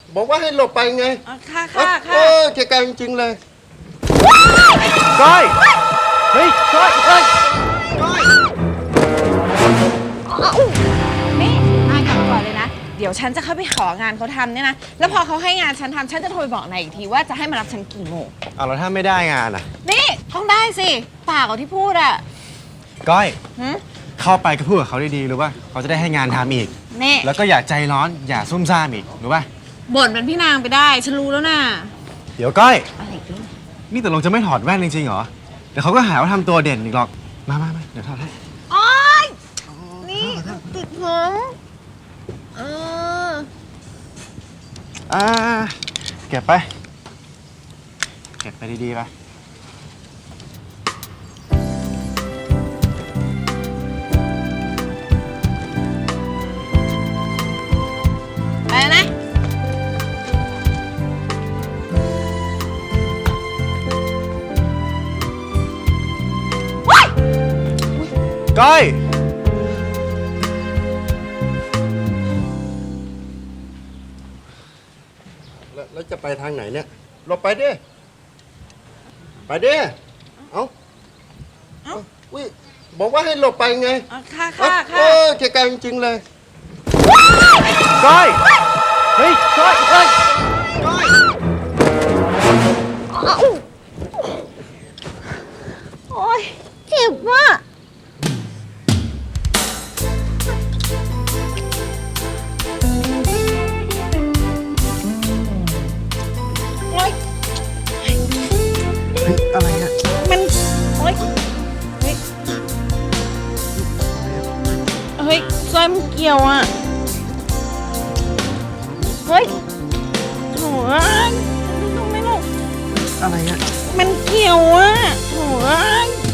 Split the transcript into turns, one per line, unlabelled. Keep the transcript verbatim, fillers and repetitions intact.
บอกว่าให้หลบไปไง
ค่ะค่ะค่ะ
เออเกลียดจริงๆเลย
ก้อยเฮ้ยก้อยเฮ้ยก้อย
นี่นายกลับก่อนเลยนะเดี๋ยวฉันจะเข้าไปของานเขาทำเนี่ยนะแล้วพอเขาให้งานฉันทำฉันจะโทรไปบอกนายอีกทีว่าจะให้มารับฉันกี่โมง
เอาแล้วถ้าไม่ได้งานอ่ะ
นี่ต้องได้สิปากของที่พูดอ่ะ
ก้อยเข้าไปก็พูดกับเขาดีๆรู้ป่ะเขาจะได้ให้งานทำอีก
นี่
แล้วก็อย่าใจร้อนอย่าซุ่มซ่ามอีกรู้ป่ะ
บ่นเป็นพี่นางไปได้ฉันรู้แล้วนะ
เดี๋ยวก้อย
อะไรกัน
นี่แต่ลงจะไม่ถอดแว่นจริงๆเหรอเดี๋ยวเขาก็หาว่าทำตัวเด่นอีกหรอกมามามาเดี๋ยวถอดให้
โอ๊ยนี่ติดผมเออ
อ่าเก็บไปเก็บไปดีๆไป
ไปนะ
ก้อย
แล้วจะไปทางไหนเนี่ยหลบไปดิไปดิเอ้าเอ้าอุ้ยบอกว่าให้หลบไปไง
ค่ะค่ะค่ะ
เออเกลียดจริงๆเลย
ก้อยเฮ้ยก้อยเฮ้ยก้อย
โอ๊ยเจ็บว่ะโอ๊ย
เฮ้ยอะไรอ่ะ
มันโอ๊ยเฮ้ยเฮ้ยสร้อยมันเกี่ยวอ่ะเฮ้ยโถ่เอ้ยไม่ต้องไม่ต้อง
อะไรอ่ะ
มันเกี่ยวอ่ะโถ่เอ้ย